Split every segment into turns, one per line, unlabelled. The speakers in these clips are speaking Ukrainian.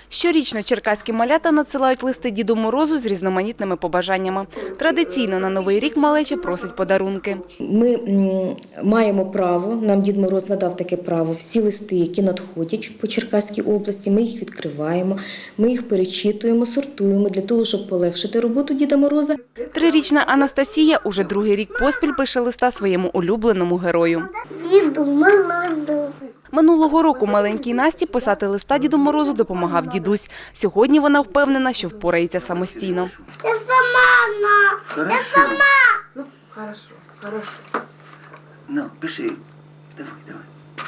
Щорічно черкаські малята надсилають листи Діду Морозу з різноманітними побажаннями. Традиційно на Новий рік малеча просить подарунки.
Ми маємо право, нам Дід Мороз надав таке право, всі листи, які надходять по Черкаській області, ми їх відкриваємо, ми їх перечитуємо, сортуємо для того, щоб полегшити роботу Діда Мороза.
3-річна Анастасія уже другий рік поспіль пише листа своєму улюбленому герою.
Діду Морозу.
Минулого року маленькій Насті писати листа Діду Морозу допомагав дідусь. Сьогодні вона впевнена, що впорається самостійно.
Я сама, я сама.
Ну, хорошо. Ну, пиши. Давай.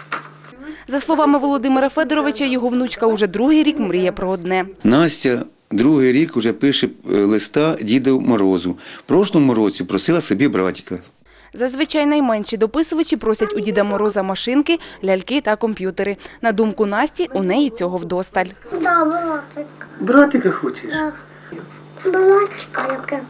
За словами Володимира Федоровича, його внучка уже другий рік мріє про одне.
Настя другий рік вже пише листа Діду Морозу. В прошлому році просила собі братика.
Зазвичай найменші дописувачі просять у Діда Мороза машинки, ляльки та комп'ютери. На думку Насті, у неї цього вдосталь.
Да, братик.
Братика хочеш?
Да. Братика, я казала.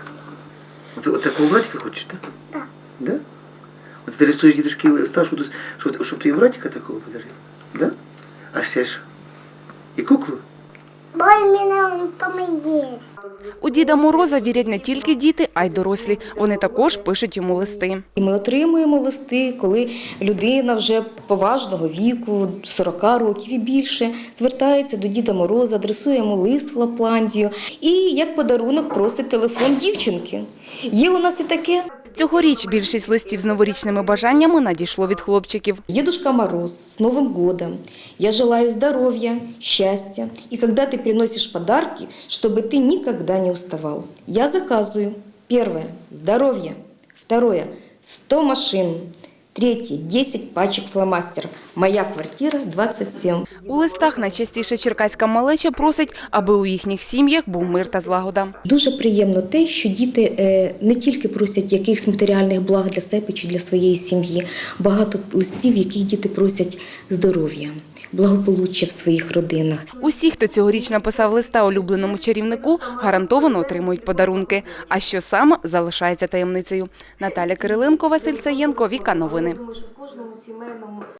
От такого братика хочеш, так?
Да.
Да? От ти рисуєш дідушки листа, щоб ти братика такого подарив? Да? А ще ж і куклу?
Бо в мене он там і є.
У Діда Мороза вірять не тільки діти, а й дорослі. Вони також пишуть йому листи.
І ми отримуємо листи, коли людина вже поважного віку, 40 років і більше, звертається до Діда Мороза, адресує йому лист в Лапландію і як подарунок просить телефон дівчинки. Є у нас і таке.
Цьогоріч більшість листів з новорічними бажаннями надійшло від хлопчиків.
Дедушка Мороз, с Новым годом! Я желаю здоровья, счастья. И когда ты приносишь подарки, чтобы ты никогда не уставал. Я заказываю. Первое – здоровье. Второе – 100 машин. Третє – 10 пачок фломастерів. Моя квартира 27.
У листах найчастіше черкаська малеча просить, аби у їхніх сім'ях був мир та злагода.
Дуже приємно те, що діти не тільки просять якихось матеріальних благ для себе чи для своєї сім'ї. Багато листів, в яких діти просять здоров'я, благополуччя в своїх родинах.
Усі, хто цьогоріч написав листа улюбленому чарівнику, гарантовано отримують подарунки. А що саме, залишається таємницею. Наталя Кириленко, Василь Саєнко, Віка Новини.